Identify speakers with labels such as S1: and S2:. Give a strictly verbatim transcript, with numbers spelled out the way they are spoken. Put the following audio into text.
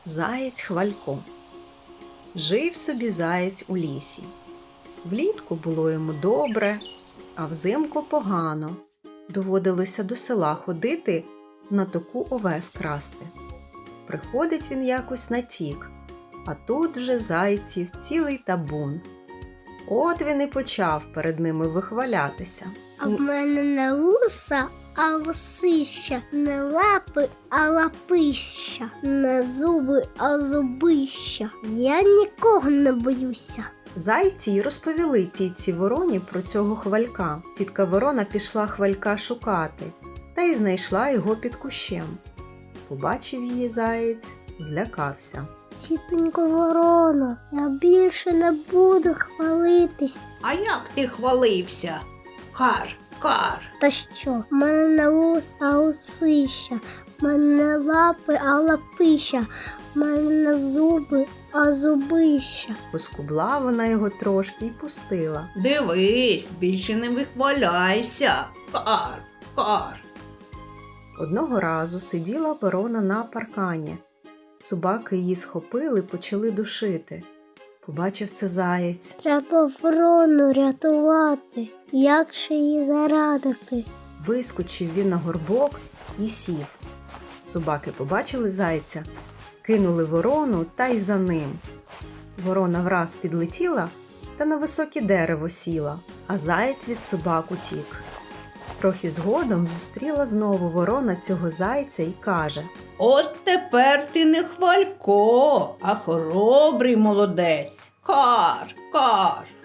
S1: Заєць Хвалько. Жив собі заєць у лісі. Влітку було йому добре, а взимку погано. Доводилося до села ходити, на току овес красти. Приходить він якось на тік, а тут вже зайців цілий табун. От він і почав перед ними вихвалятися.
S2: А в мене не вуса, а лосища, не лапи, а лапища, не зуби, а зубища. Я нікого не боюся.
S1: Зайці й розповіли тітці Вороні про цього Хвалька. Тітка Ворона пішла Хвалька шукати, та й знайшла його під кущем. Побачив її заєць, злякався.
S2: Тітонько Ворона, я більше не буду хвалитись.
S3: А як ти хвалився? Кар, кар.
S2: Та що? В мене не вуса, а лосища, в мене не лапи, а лапища, в мене не зуби, а зубища.
S1: Поскубла вона його трошки й пустила.
S3: Дивись, більше не вихваляйся. Кар, кар.
S1: Одного разу сиділа ворона на паркані. Собаки її схопили, почали душити. Побачив це заєць.
S2: Треба ворону рятувати. Як же її зарадити?
S1: Вискочив він на горбок і сів. Собаки побачили зайця, кинули ворону та й за ним. Ворона враз підлетіла та на високе дерево сіла, а заєць від собак утік. Трохи згодом зустріла знову ворона цього зайця і каже:
S3: От тепер ти не Хвалько, а хоробрий молодець. Кар, кар.